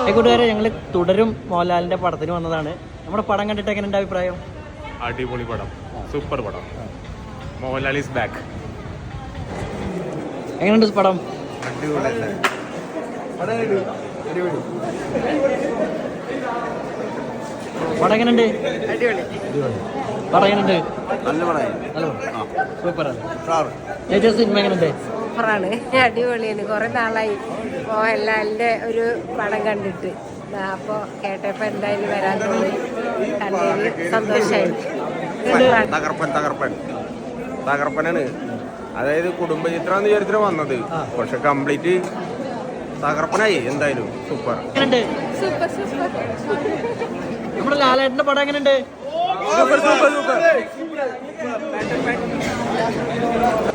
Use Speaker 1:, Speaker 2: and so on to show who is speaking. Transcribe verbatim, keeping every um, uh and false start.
Speaker 1: കൂട്ടുകാരെ ഞങ്ങൾ തുടരും മോഹൻലാലിന്റെ പടത്തിന് വന്നതാണ്. നമ്മുടെ പടം കണ്ടിട്ട് എങ്ങനെ ഉണ്ട് അഭിപ്രായം?
Speaker 2: അടിപൊളി പടം, സൂപ്പർ പടം. Mohanlal is back.
Speaker 1: എങ്ങനെയുണ്ട് പടം? പടം എങ്ങനെയുണ്ട്? പടം എങ്ങനെയുണ്ട്? സൂപ്പറാണ്. ചേച്ചി സിനിമ എങ്ങനെയുണ്ട്?
Speaker 3: സൂപ്പറാണ്, അടിപൊളിയാണ്. കുറെ നാളായി മോഹൻലാലിന്റെ ഒരു പടം കണ്ടിട്ട്. അപ്പോൾ കേട്ടപ്പോൾ എന്തായാലും വരാൻ തോന്നി, കണ്ടതിൽ സന്തോഷമായി.
Speaker 4: തകർപ്പൻ തകർപ്പൻ തകർപ്പനാണ്. അതായത് കുടുംബചിത്രം വിചാരിച്ചാണ് വന്നത്, പക്ഷെ കംപ്ലീറ്റ് തകർപ്പനായി. എന്തായാലും സൂപ്പർ.
Speaker 3: Super super.
Speaker 1: നമ്മുടെ ലാലേട്ടന്റെ പടം എങ്ങനെയുണ്ട്?
Speaker 4: Super super super.